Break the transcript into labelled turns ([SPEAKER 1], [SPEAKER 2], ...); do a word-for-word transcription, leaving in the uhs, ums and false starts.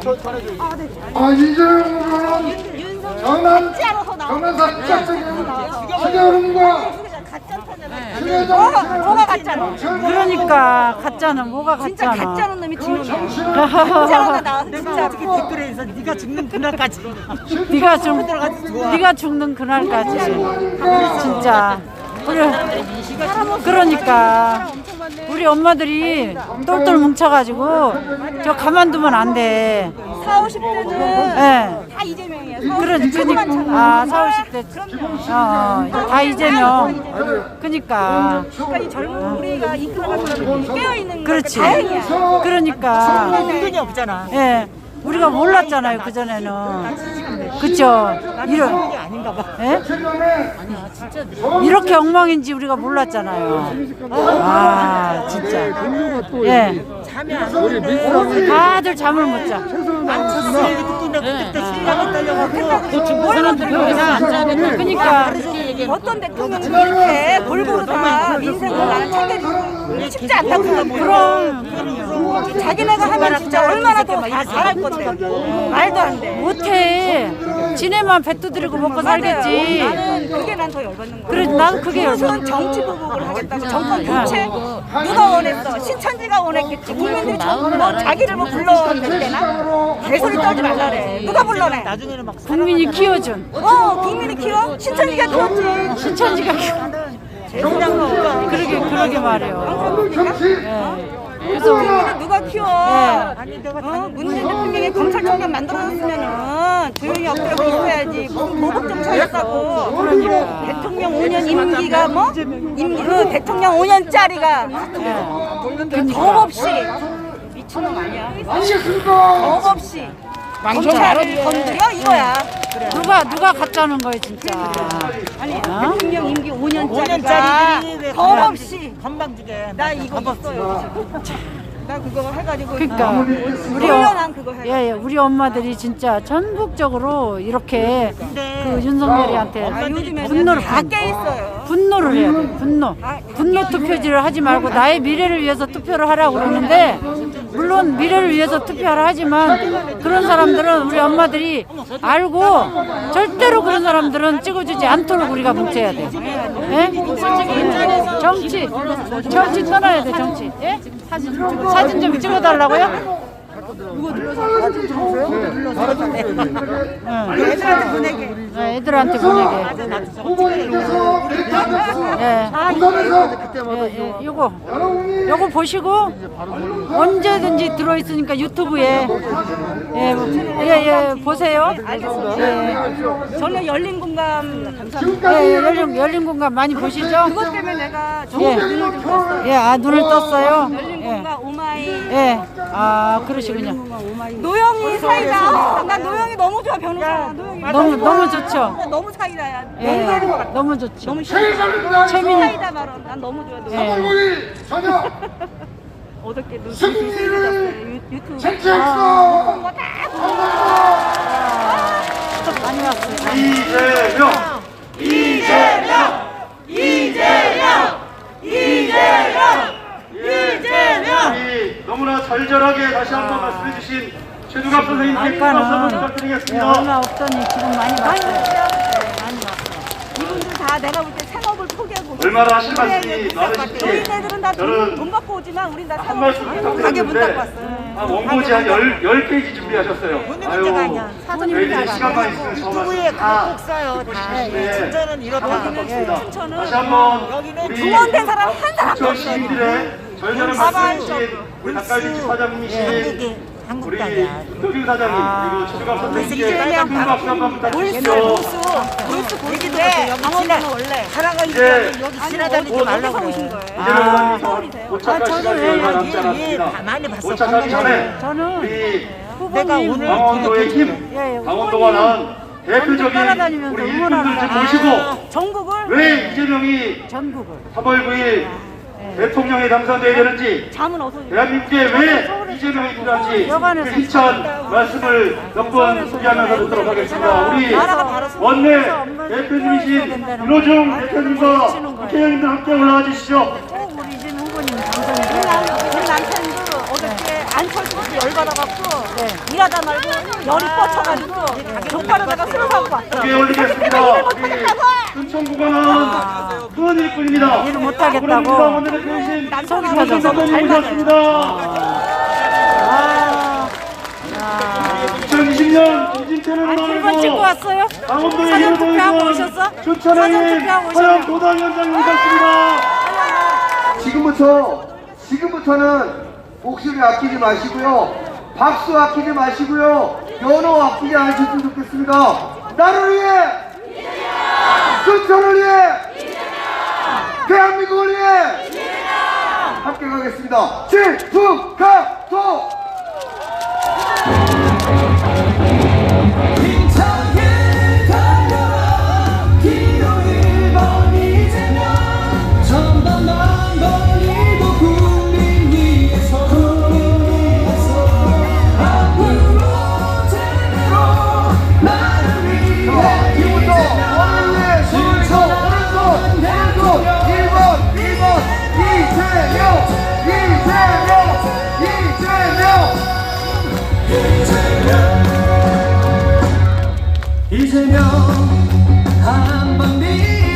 [SPEAKER 1] 아, 이재명 후보는 경남, 경남사 국장적인 신여름과
[SPEAKER 2] 뭐가 가짜노?
[SPEAKER 3] 그러니까 가짜는 뭐가
[SPEAKER 2] 진짜
[SPEAKER 3] 가짜나.
[SPEAKER 2] 가짜는 놈이 진놈이야. 진짜가 나와서 진짜.
[SPEAKER 4] 댓글에서 네가 죽는 그날까지.
[SPEAKER 3] 네가 죽 네가 죽는 그날까지. 진짜. 그래. 그러니까 우리 엄마들이 똘똘 뭉쳐가지고 저 가만두면 안 돼.
[SPEAKER 2] 사오십 대는
[SPEAKER 3] 예.
[SPEAKER 2] 다 이재명이야.
[SPEAKER 3] 그런 그니까 아 사오십 대 어다 이재명. 그니까.
[SPEAKER 2] 그러니까 이 젊은 우리가 이끌어가서 깨어 있는
[SPEAKER 3] 그렇지.
[SPEAKER 2] 다행이야.
[SPEAKER 3] 그러니까.
[SPEAKER 4] 은근히 없잖아.
[SPEAKER 3] 예. 우리가 몰랐잖아요 그 전에는. 그쵸? 이런
[SPEAKER 4] 게 아닌가 봐.
[SPEAKER 3] 예? 이렇게 엉망인지 우리가 몰랐잖아요. 아 진짜. 예.
[SPEAKER 4] 잠이 안 오는데.
[SPEAKER 3] 다들 잠을 못 자.
[SPEAKER 4] 그때 신랑이 딸려가고
[SPEAKER 3] 사람들이 거기서 안 자겠다. 그러니까
[SPEAKER 2] 어떤 대통령이 이렇게 골고루 다 민생을 나는 챙겨주고 쉽지 않다고 생각해.
[SPEAKER 3] 그럼
[SPEAKER 2] 자기네가 하면 진짜 얼마나 더 다 잘할 건데. 말도 안 돼.
[SPEAKER 3] 못해. 지네만 배 두드리고 먹고 살겠지.
[SPEAKER 2] 나는 그게 난 더 열받는 거야.
[SPEAKER 3] 그래 나도 그게
[SPEAKER 2] 무슨
[SPEAKER 3] 열받는
[SPEAKER 2] 정치 보복을 하겠다고 정권 교체 누가 원했어? 신천지가 원했겠지. 국민들이 전부 뭐 자기를 뭐 불러낼 때나 개소리 떨지 말라래. 누가 불러내?
[SPEAKER 4] 나중에는 막
[SPEAKER 3] 국민이 키워준.
[SPEAKER 2] 어 국민이 키워? 신천지가 키웠지.
[SPEAKER 3] 신천지가 키워. 그러게 그러게 말해요. 예.
[SPEAKER 2] 그래서 국민을 누가 키워?
[SPEAKER 3] 예.
[SPEAKER 2] 어? 문재인 대통령이 검찰총장 만들어놨으면은 조용히 엎드려 있어야지. 무슨 보복 정치였다고.
[SPEAKER 3] 그러니까.
[SPEAKER 2] 대통령 오 년 임기가 뭐? 임기 그 대통령 오 년짜리가
[SPEAKER 3] 예.
[SPEAKER 2] 겁 없이 미친놈 아니야?
[SPEAKER 1] 아시겠습니까?
[SPEAKER 2] 겁 없이 검찰을 건드려 이거야.
[SPEAKER 3] 누가 누가 가짜는 거예요 진짜.
[SPEAKER 2] 아니
[SPEAKER 3] 어?
[SPEAKER 2] 대통령 임기 오
[SPEAKER 4] 오 년짜리들이
[SPEAKER 2] 년짜리가
[SPEAKER 4] 왜
[SPEAKER 2] 겁 없이
[SPEAKER 4] 건방지게.
[SPEAKER 2] 나 이거 있어요. 나 그거 해가지고
[SPEAKER 3] 그러니까 우리
[SPEAKER 2] 훈련한
[SPEAKER 3] 어,
[SPEAKER 2] 그거 해.
[SPEAKER 3] 예, 예, 우리 엄마들이 진짜 전국적으로 이렇게
[SPEAKER 4] 근데
[SPEAKER 3] 그 윤석열이한테
[SPEAKER 2] 아, 요즘에
[SPEAKER 3] 분노를
[SPEAKER 2] 다
[SPEAKER 3] 분-
[SPEAKER 2] 깨 있어요.
[SPEAKER 3] 분노를 해야 돼. 분노. 분노 투표지를 하지 말고 나의 미래를 위해서 투표를 하라고 그러는데 물론 미래를 위해서 투표하라 하지만 그런 사람들은 우리 엄마들이 알고 절대로 그런 사람들은 찍어주지 않도록 우리가 뭉쳐야 돼. 예? 정치 정치 떠나야 돼 정치. 예? 사진 사진 좀 찍어달라고요? 응.
[SPEAKER 4] 애들한테 보내게.
[SPEAKER 3] 네, 애들한테 보내게.
[SPEAKER 1] 후보님께서
[SPEAKER 3] 예.
[SPEAKER 1] 부산에서
[SPEAKER 3] 예, 예, 요거 요거 보시고 언제든지 들어있으니까 유튜브에 예, 예, 예, 보세요. 예,
[SPEAKER 2] 저는 열린 공감 감사합니다.
[SPEAKER 3] 예, 예, 열린, 열린 공간 많이 보시죠?
[SPEAKER 2] 그것 때문에 내가
[SPEAKER 3] 예,
[SPEAKER 2] 정말 눈을 좀 떴어요.
[SPEAKER 3] 예, 아 눈을 떴어요.
[SPEAKER 2] 열린
[SPEAKER 3] 예,
[SPEAKER 2] 공감 오마이.
[SPEAKER 3] 예, 아 그러시군요.
[SPEAKER 2] 노영이 사이다. 나 노영이 너무 좋아 변호사. 노영이
[SPEAKER 3] 너무 너무 좋죠.
[SPEAKER 2] 너무 사이다야.
[SPEAKER 3] 예, 너무 좋죠.
[SPEAKER 2] 너무
[SPEAKER 1] 최선입니다.
[SPEAKER 3] 최민
[SPEAKER 2] 사이다 말은 난 너무 좋아. 노영이.
[SPEAKER 3] 예.
[SPEAKER 1] 우리 저녁
[SPEAKER 2] 어저께 눈
[SPEAKER 1] 승리를
[SPEAKER 2] 유튜브.
[SPEAKER 1] 쟁취했어.
[SPEAKER 3] 많이 왔어요.
[SPEAKER 1] 이재명, 이재명, 이재명, 이재명, 이재명. 우리 너무나 절절하게 다시 한번 말씀해 주신 최두갑 선생님께 큰 박수 한번
[SPEAKER 3] 아까는 예,
[SPEAKER 1] 부탁드리겠습니다.
[SPEAKER 3] 얼마 없더니 지금 많이 왔어요. 많이 왔어요.
[SPEAKER 2] 이분들 다 내가 볼 때 생업을 포기하고.
[SPEAKER 1] 얼마나 하실 말씀이 많으신지
[SPEAKER 2] 저희네들은 다
[SPEAKER 1] 저는
[SPEAKER 2] 돈 받고 오지만 우린 다
[SPEAKER 1] 한
[SPEAKER 2] 생업
[SPEAKER 1] 말씀
[SPEAKER 2] 가게 문 닫고
[SPEAKER 1] 부탁드렸는데
[SPEAKER 2] 왔어요.
[SPEAKER 1] 아, 원고지 한 열, 열 페이지 준비하셨어요. 아유, 저희들이 시간만 있으면 저
[SPEAKER 4] 유튜브에
[SPEAKER 1] 말씀
[SPEAKER 4] 그거
[SPEAKER 1] 다
[SPEAKER 4] 꼭 써요. 다.
[SPEAKER 1] 네.
[SPEAKER 4] 진짜는 이렇다.
[SPEAKER 2] 춘천은
[SPEAKER 1] 다시 한번
[SPEAKER 4] 여기는
[SPEAKER 1] 우리
[SPEAKER 2] 중원된 사람 한 사람도 없어요.
[SPEAKER 1] 시민들의 절절한 말씀해 주신 우리 닭갈비집 사장님이신 우리 김도균 사장님 그리고 최두갑 선생님께 큰 박수 한번 부탁드리십시오.
[SPEAKER 2] 볼수 보이는데 강원도는 원래
[SPEAKER 4] 사랑을
[SPEAKER 1] 이제
[SPEAKER 4] 여기 지나다니지 말라고
[SPEAKER 2] 오신
[SPEAKER 4] 그래.
[SPEAKER 2] 거예요.
[SPEAKER 1] 이재명
[SPEAKER 3] 아,
[SPEAKER 1] 의원님 도착할 시간이 얼마 남지
[SPEAKER 4] 예,
[SPEAKER 1] 않았습니다.
[SPEAKER 4] 많이 봤어.
[SPEAKER 1] 도착하기 전에
[SPEAKER 3] 저는
[SPEAKER 1] 우리
[SPEAKER 4] 내가
[SPEAKER 3] 후보님
[SPEAKER 4] 오늘
[SPEAKER 1] 강원도의 힘,
[SPEAKER 3] 예, 예,
[SPEAKER 1] 강원도가 낳은 대표적인
[SPEAKER 3] 따라다니면서
[SPEAKER 1] 우리
[SPEAKER 3] 응원하는
[SPEAKER 1] 일꾼들 좀
[SPEAKER 3] 사람.
[SPEAKER 1] 모시고
[SPEAKER 2] 전국을
[SPEAKER 1] 왜 이재명이
[SPEAKER 3] 전국을
[SPEAKER 1] 삼월 구일 대통령에 당선돼야 되는지
[SPEAKER 2] 잠은 어서
[SPEAKER 1] 대한민국에 왜 이재명이 필요한지 그 희찬 말씀을 몇 번 소개하면서 듣도록 하겠습니다. 우리 원내 대표님이신 윤호중 대표님과 국회의원님들 함께 올라와 주시죠.
[SPEAKER 3] 꼭 우리 이재명 후보님
[SPEAKER 2] 우리
[SPEAKER 3] 당선이
[SPEAKER 2] 남- 우리 남편도 어저께 안철수 씨 열받아갖고
[SPEAKER 3] 네.
[SPEAKER 2] 일 일하다 말고 열이 뻗쳐가지고 족발에다가 술 사고 왔어.
[SPEAKER 1] 크게 올리겠습니다. 우리 순천구간은 큰 일꾼입니다.
[SPEAKER 3] 일을 못하겠다고.
[SPEAKER 1] 오늘의 대신
[SPEAKER 3] 속이
[SPEAKER 1] 손
[SPEAKER 3] 터져서.
[SPEAKER 1] 선생님 모셨습니다.
[SPEAKER 3] 아,
[SPEAKER 1] 이천이십 년 김진태는
[SPEAKER 3] 일본 찍고 왔어요?
[SPEAKER 1] 강원도의
[SPEAKER 3] 사전
[SPEAKER 1] 힘을
[SPEAKER 3] 투표하고
[SPEAKER 1] 보여준
[SPEAKER 3] 오셨어?
[SPEAKER 1] 춘천의
[SPEAKER 3] 사전 투표하고 오셨어?
[SPEAKER 1] 화양 도당위원장님 모셨습니다.
[SPEAKER 5] 지금부터 지금부터는 목소리 아끼지 마시고요, 박수 아끼지 마시고요, 연호 아끼지 않으셨으면 좋겠습니다. 나를 위해, 춘천을 위해, 대한민국을 위해 함께 가겠습니다. 질투가도
[SPEAKER 6] 힘차게 달려라 기호 일 번 이재명 전반만 벌리고 국민 위해서 앞으로 제대로 나를 위해
[SPEAKER 5] 지금부터 너를 위해 손을 오른손 오른손 일 번 일 번 이재명 이재명 이재명
[SPEAKER 6] 이재명 한번 믿